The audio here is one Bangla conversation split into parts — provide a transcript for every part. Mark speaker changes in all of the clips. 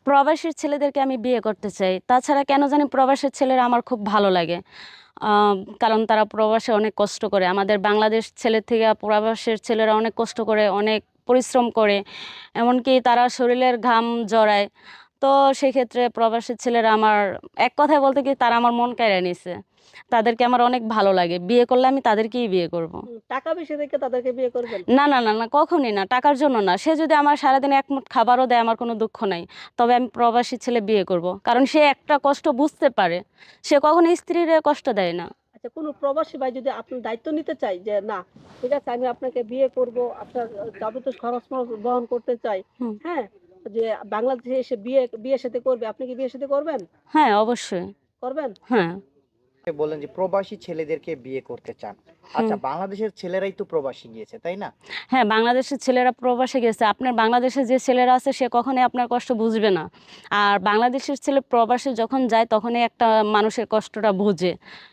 Speaker 1: প্রবাসীর ছেলেদেরকে আমি বিয়ে করতে চাই। তাছাড়া কেন জানি প্রবাসের ছেলেরা আমার খুব ভালো লাগে। কারণ তারা প্রবাসে অনেক কষ্ট করে। আমাদের বাংলাদেশ ছেলের থেকে প্রবাসের ছেলেরা অনেক কষ্ট করে, অনেক পরিশ্রম করে। এমনকি তারা শরীরের ঘাম জড়ায়। তো সেক্ষেত্রে প্রবাসের ছেলেরা আমার, এক কথায় বলতে কি, তারা আমার মন কেড়ে নিছে। তাদেরকে আমার অনেক ভালো লাগে। বিয়ে করলে আমি তাদেরকেই বিয়ে করব।
Speaker 2: টাকা বেশি দেখে তাদেরকে বিয়ে করবেন?
Speaker 1: না, না, না, না, কখনই না। টাকার জন্য না। সে যদি আমার সারাদিন এক মুঠ খাবারও দেয়, আমার কোনো দুঃখ নাই। তবে আমি প্রবাসী ছেলে বিয়ে করব। কারণ সে একটা কষ্ট বুঝতে পারে। সে কখনো স্ত্রীর কষ্ট দেয় না।
Speaker 2: আচ্ছা, কোনো প্রবাসী ভাই যদি আপনার দায়িত্ব নিতে চাই যে না, ঠিক আছে, আমি আপনাকে বিয়ে করব, আপনার যাবতীয় খরচ মরচ বহন করতে চাই,
Speaker 1: হুম।
Speaker 2: হ্যাঁ, যে বাংলাদেশে এসে বিয়ে বিয়ে সাথে করবে, আপনি কি বিয়ে সাথে করবেন?
Speaker 1: হ্যাঁ, অবশ্যই।
Speaker 2: করবেন?
Speaker 1: হ্যাঁ।
Speaker 3: বললেন যে প্রবাসী ছেলেদেরকে বিয়ে করতে চান।
Speaker 1: হুম।
Speaker 3: আচ্ছা, বাংলাদেশের ছেলেরাই তো প্রবাসী গিয়েছে, তাই না?
Speaker 1: হ্যাঁ, বাংলাদেশের ছেলেরা প্রবাসে গেছে। আপনার বাংলাদেশে যে ছেলেরা আছে সে কখনোই আপনার কষ্ট বুঝবে না। আর বাংলাদেশের ছেলে প্রবাসে যখন যায় তখনই একটা মানুষের কষ্টটা বুঝে।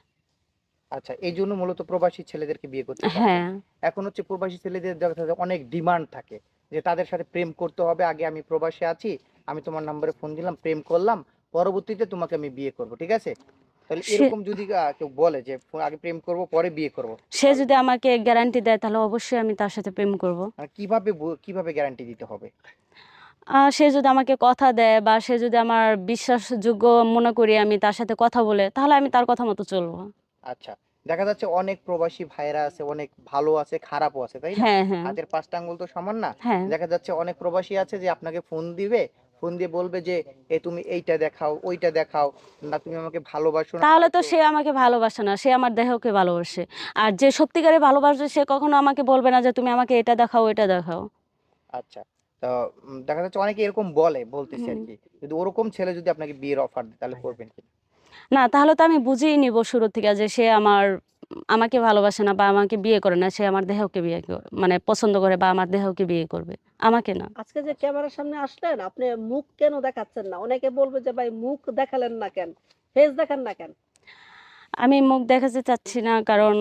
Speaker 3: আচ্ছা, এই জন্য মূলত প্রবাসী ছেলেদেরকে বিয়ে করতে চাচ্ছেন।
Speaker 1: হ্যাঁ।
Speaker 3: এখন হচ্ছে প্রবাসী ছেলেদের দেখা যায় অনেক ডিমান্ড থাকে যে তাদের সাথে প্রেম করতে হবে, আগে আমি প্রবাসে আছি, আমি তোমার নম্বরে ফোন দিলাম, প্রেম করলাম, পরবর্তীতে তোমাকে আমি বিয়ে করব, ঠিক আছে? তাহলে
Speaker 1: সে
Speaker 3: এরকম যদি কেউ বলে যে আগে প্রেম করব পরে বিয়ে করব,
Speaker 1: সে
Speaker 3: তাহলে
Speaker 1: যদি আমাকে গ্যারান্টি দেয় তাহলে অবশ্যই আমি তার সাথে প্রেম করব।
Speaker 3: মানে কিভাবে গ্যারান্টি দিতে হবে?
Speaker 1: সে যদি আমাকে কথা দেয় বা সে যদি আমার বিশ্বাসযোগ্য মনে করি আমি তার সাথে কথা বলে, তাহলে আমি তার কথা মতো চলবো।
Speaker 3: আচ্ছা, দেখা যাচ্ছে অনেক প্রবাসী ভাইরা আছে, অনেক ভালো আছে, খারাপও আছে, তাই না?
Speaker 1: হ্যাঁ, হ্যাঁ,
Speaker 3: হাতের পাঁচটা আঙ্গুল তো সমান না।
Speaker 1: হ্যাঁ।
Speaker 3: দেখা যাচ্ছে অনেক প্রবাসী আছে যে আপনাকে ফোন দিবে, ফোন দিয়ে বলবে যে তুমি এইটা দেখাও, ওইটা দেখাও, না তুমি আমাকে ভালোবাসো না,
Speaker 1: তাহলে
Speaker 3: আমার
Speaker 1: তো
Speaker 3: একটু।
Speaker 1: সে আমাকে ভালোবাসে না, সে আমার দেহকে ভালোবাসে। আর যে সত্যিকারে ভালোবাসে সে কখনো আমাকে বলবে না যে তুমি আমাকে এটা দেখাও, এটা দেখাও।
Speaker 3: আচ্ছা, তো দেখা যাচ্ছে অনেকে এরকম বলতেছে
Speaker 1: হুম।
Speaker 3: আর কি, যদি ওরকম ছেলে যদি আপনাকে বিয়ের অফার দেয় তাহলে করবেন কি?
Speaker 1: না, তাহলে তো আমি বুঝেই নিব শুরু থেকে যে সে আমাকে ভালোবাসে না বা আমাকে বিয়ে করে না। সে আমার দেহকে মানে পছন্দ করে বা আমার দেহকে বিয়ে করবে, আমাকে না।
Speaker 2: আজকে যে ক্যামেরার সামনে আসলেন, আপনি মুখ কেন দেখাচ্ছেন না? অনেকে বলবে যে ভাই মুখ দেখালেন না কেন, ফেস দেখান না কেন?
Speaker 1: আমি মুখ দেখাতে চাচ্ছি না কারণ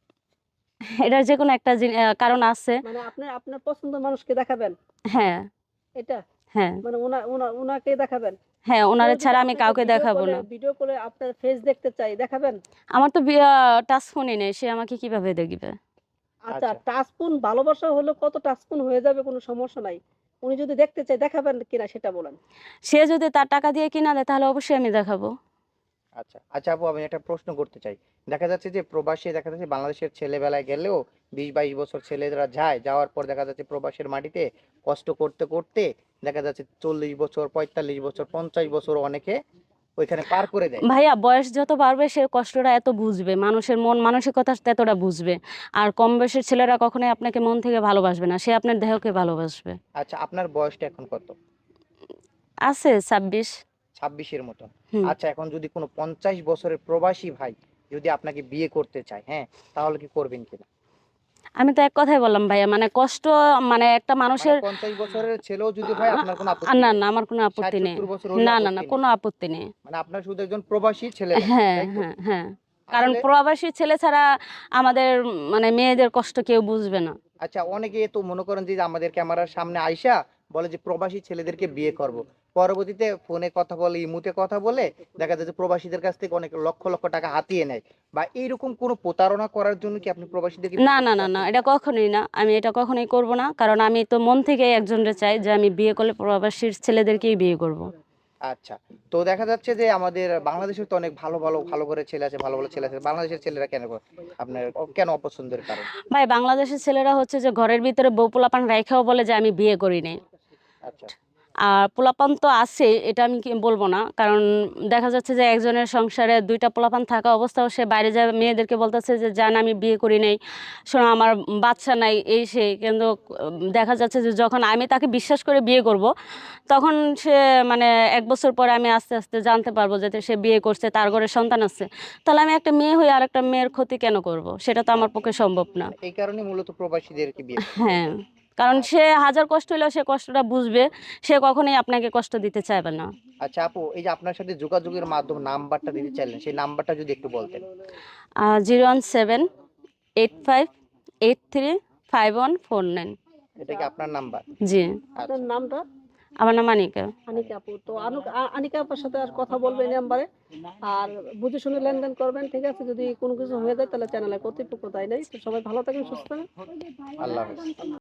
Speaker 1: এটার যে কোনো একটা কারণ আছে।
Speaker 2: মানে আপনি আপনার পছন্দের মানুষকে দেখাবেন
Speaker 1: হ্যাঁ,
Speaker 2: এটা?
Speaker 1: হ্যাঁ,
Speaker 2: মানে উনাকে দেখাবেন?
Speaker 1: হ্যাঁ,
Speaker 2: কেউ
Speaker 1: ওনারে
Speaker 2: যদি
Speaker 1: ছাড়া আমি
Speaker 2: আপনাকে
Speaker 1: কাউকে দেখাবো না।
Speaker 2: ভিডিও কলে আপনার ফেস দেখতে চাই, দেখাবেন?
Speaker 1: আমার তো টাচ ফোনই নেই, সে আমাকে কিভাবে দেখবে?
Speaker 2: আচ্ছা,
Speaker 3: আচ্ছা,
Speaker 2: টাচফোন ভালোবাসা হলে কত টাচফোন হয়ে যাবে, কোনো সমস্যা নাই। উনি যদি দেখতে চায় দেখাবেন কিনা সেটা বলেন।
Speaker 1: সে যদি তার টাকা দিয়ে কিনা দেয় তাহলে অবশ্যই আমি দেখাবো।
Speaker 3: আচ্ছা, আচ্ছা আপু, আমি একটা প্রশ্ন করতে চাই। দেখা যাচ্ছে যে প্রবাসী, দেখা যাচ্ছে বাংলাদেশের ছেলেবেলায় গেলেও 20-22 বছর ছেলেরা যায়, যাওয়ার পর দেখা যাচ্ছে প্রবাসের মাটিতে কষ্ট করতে করতে দেখা যাচ্ছে 40 বছর, 45 বছর, 50 বছর অনেকে ওইখানে পার করে দেয়।
Speaker 1: ভাইয়া, বয়স যত বাড়বে সে কষ্টটা এত বুঝবে, মানুষের মন মানসিকতা ততটা বুঝবে। আর কম বয়সের ছেলেরা কখনোই আপনাকে মন থেকে ভালোবাসবে না, সে আপনার দেহকে ভালোবাসবে।
Speaker 3: আচ্ছা, আপনার বয়সটা এখন কত?
Speaker 1: আছে 26।
Speaker 3: 26-এর মতন।
Speaker 1: হুম।
Speaker 3: আচ্ছা, এখন যদি কোনো 50 বছরের প্রবাসী ভাই যদি আপনাকে বিয়ে করতে চায়, হ্যাঁ, তাহলে কি করবেন কিনা?
Speaker 1: আমি তো এক কথাই বললাম ভাইয়া, মানে কষ্ট, মানে একটা
Speaker 3: মানে
Speaker 1: মানুষের
Speaker 3: 50 বছরের ছেলেও যদি হয় আপনার কোনো আপত্তি
Speaker 1: না,
Speaker 3: নাই?
Speaker 1: না, আমার কোনো
Speaker 3: ষাট
Speaker 1: আপত্তি নেই।
Speaker 3: সত্তর বছর হলেও
Speaker 1: না, না, না,
Speaker 3: আপত্তি নেই?
Speaker 1: কোনো আপত্তি নেই।
Speaker 3: মানে আপনার শুধু একজন প্রবাসী ছেলে লাগবে,
Speaker 1: হ্যাঁ,
Speaker 3: তাই তো?
Speaker 1: হ্যাঁ, হ্যাঁ। কারণ
Speaker 3: আসলে
Speaker 1: প্রবাসী ছেলে ছাড়া আমাদের মানে মেয়েদের কষ্ট কেউ বুঝবে না।
Speaker 3: আচ্ছা, অনেকে তো মনে করেন যে আমাদের ক্যামেরার সামনে আইসা বলে যে প্রবাসী ছেলেদেরকে বিয়ে করব, পরবর্তীতে ফোনে কথা বলে, ইমুতে কথা বলে দেখা যায় যে প্রবাসীদের কাছ থেকে অনেক লক্ষ লক্ষ টাকা হাতিয়ে নেয়, বা এইরকম কোনো প্রতারণা করার জন্য কি আপনি প্রবাসীদেরকে
Speaker 1: না,
Speaker 3: বিয়ে
Speaker 1: না,
Speaker 3: করতে
Speaker 1: না, না,
Speaker 3: চাচ্ছেন
Speaker 1: এটা
Speaker 3: কিনা?
Speaker 1: কখনোই না। আমি এটা কখনোই করব না। কারণ আমি তো মন থেকে একজনকে চাই যে আমি বিয়ে করলে প্রবাসীর ছেলেদেরকেই বিয়ে করব।
Speaker 3: আচ্ছা, তো দেখা যাচ্ছে যে আমাদের বাংলাদেশে তো অনেক ভালো ভালো ভালো করে ছেলে আছে, ভালো ভালো ছেলে আছে, বাংলাদেশের ছেলেরা কেন আপনার কেন অপছন্দের কারণ?
Speaker 1: ভাই, বাংলাদেশের ছেলেরা হচ্ছে যে ঘরের ভিতরে বউ পোলাপান রাইখাও বলে যে আমি বিয়ে করি নাই।
Speaker 3: আচ্ছা,
Speaker 1: আর পোলাপান তো আছে, এটা আমি বলবো না। কারণ দেখা যাচ্ছে যে একজনের সংসারে দুইটা পোলাপান থাকা অবস্থাও সে বাইরে যায় মেয়েদেরকে বলতেছে যে জান আমি বিয়ে করি নাই, শোনো আমার বাচ্চা নাই, এই সেই। কিন্তু দেখা যাচ্ছে যে যখন আমি তাকে বিশ্বাস করে বিয়ে করব তখন সে মানে 1 বছর পরে আমি আস্তে আস্তে জানতে পারবো যে সে বিয়ে করছে, তার ঘরে সন্তান আছে। তাহলে আমি একটা মেয়ে হয়ে আর একটা মেয়ের ক্ষতি কেন করব? সেটা তো আমার
Speaker 3: আচ্ছা,
Speaker 1: পক্ষে সম্ভব না।
Speaker 3: মানে এই কারণে মূলত প্রবাসীদেরকে বিয়ে করেন, তাই
Speaker 1: হ্যাঁ,
Speaker 3: তো?
Speaker 1: কারণ
Speaker 3: আচ্ছা,
Speaker 1: সে হাজার কষ্ট হলেও সে কষ্টটা বুঝবে। সে কখনোই আপনাকে কষ্ট দিতে চাইবে না।
Speaker 3: আচ্ছা আপু, এই যে আপনার সাথে যোগাযোগের মাধ্যম নাম্বারটা দিতে চাইলেন, সেই নাম্বারটা যদি একটু বলতেন।
Speaker 1: 01785835149।
Speaker 3: এটা কি আপনার নাম্বার?
Speaker 1: জি।
Speaker 2: আপনার
Speaker 3: আচ্ছা,
Speaker 2: নামটা?
Speaker 1: আমার নাম আনিকা।
Speaker 2: আনিকা আপু, তো আনিকা আপুর সাথে আর কথা বলবেন এই নাম্বারে, আর বুঝে শুনে লেনদেন করবেন, ঠিক আছে? যদি কোনো কিছু হয়ে যায় তাহলে চ্যানেলে কর্তৃপক্ষ দায় নাই। তো সবাই ভালো থাকেন, সুস্থ থাকেন।
Speaker 3: আল্লাহ হাফেজ।